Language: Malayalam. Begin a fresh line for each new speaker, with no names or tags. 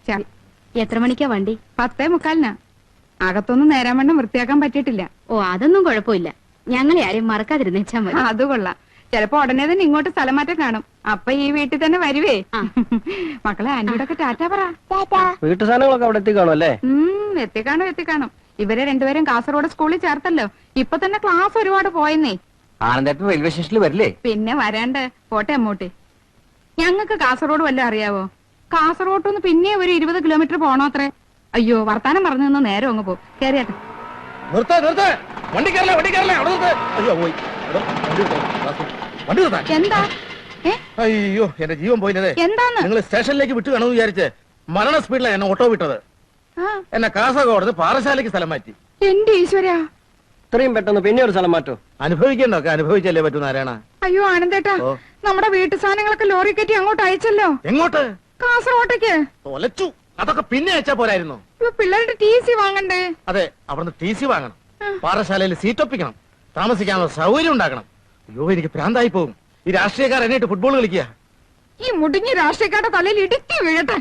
എത്ര മണിക്കാ വണ്ടി?
10:45. അകത്തൊന്നും നേരാൻ വണ്ണം വൃത്തിയാക്കാൻ പറ്റിയിട്ടില്ല.
ഓ, അതൊന്നും കുഴപ്പമില്ല. ഞങ്ങളെ ആരെയും മറക്കാതിരുന്നേച്ചാ മതി.
അത് കൊള്ളാം. ചിലപ്പോ ഉടനെ തന്നെ ഇങ്ങോട്ട് സ്ഥലം മാറ്റം കാണും. അപ്പൊ ഈ വീട്ടിൽ തന്നെ വരുവേ. മക്കളെ ആന്റിയോടൊക്കെ ടാറ്റാ പറ.
വീട്ടു സാധനങ്ങളൊക്കെ അവിടെ എത്തിക്കാണോ അല്ലേ?
എത്തിക്കാണും. ഇവരെ രണ്ടുപേരും കാസർഗോഡ് സ്കൂളിൽ ചേർത്തല്ലോ. ഇപ്പൊ തന്നെ ക്ലാസ് ഒരുപാട് പോയെന്നേ.
ആനന്ദേട്ടൻ റെയിൽവേ സ്റ്റേഷനിൽ വരില്ലേ?
പിന്നെ വരാണ്ട്. പോട്ടെ അമ്മൂട്ടി. ഞങ്ങൾക്ക് കാസർഗോഡ് വല്ലതും അറിയാവോ? കാസർഗോഡ് പിന്നെ ഒരു 20 കിലോമീറ്റർ പോണോ അത്രേ. അയ്യോ, വർത്താനം പറഞ്ഞു നിന്ന് നേരം അങ്ങ് പോകും. കേറിയാട്ടെ. എന്താ?
അയ്യോ, എന്റെ ജീവൻ പോയില്ലേ.
എന്താന്ന്?
നിങ്ങൾ സ്റ്റേഷനിലേക്ക് വിട്ടു കാണുമെന്ന് വിചാരിച്ച് മരണ സ്പീഡിലാണ് എന്നെ ഓട്ടോ വിട്ടത്. എന്നെ കാസർഗോഡ് പാറശാലയ്ക്ക് സ്ഥലം മാറ്റി.
എന്റെ ഈശ്വര,
ഇത്രയും പെട്ടെന്ന് പിന്നെ ഒരു സ്ഥലം മാറ്റോ?
അനുഭവിക്കണ്ടൊക്കെ അനുഭവിച്ചല്ലേ പറ്റൂ നാരായണ.
അയ്യോ ആനന്ദേട്ടാ, നമ്മുടെ വീട്ടു സാധനങ്ങളൊക്കെ ലോറി കയറ്റി അങ്ങോട്ട് അയച്ചല്ലോ.
എങ്ങോട്ട്?
കാസർഗോട്ടേക്ക്.
തൊലച്ചു. അതൊക്കെ പിന്നെ അയച്ചാ പോരായിരുന്നു.
പിള്ളേരുടെ TC വാങ്ങണ്ടേ?
അതെ, അവിടുന്ന് TC വാങ്ങണം. പാറശാലയിൽ സീറ്റ് ഒപ്പിക്കണം. താമസിക്കാനുള്ള സൗകര്യം ഉണ്ടാക്കണം. അയ്യോ, എനിക്ക് ഭ്രാന്തായി പോകും. ഈ രാഷ്ട്രീയക്കാർ എന്നിട്ട് ഫുട്ബോൾ കളിക്കുക.
ഈ മുടിഞ്ഞ രാഷ്ട്രീയക്കാരുടെ തലയിൽ ഇടുക്കി വീഴട്ടെ.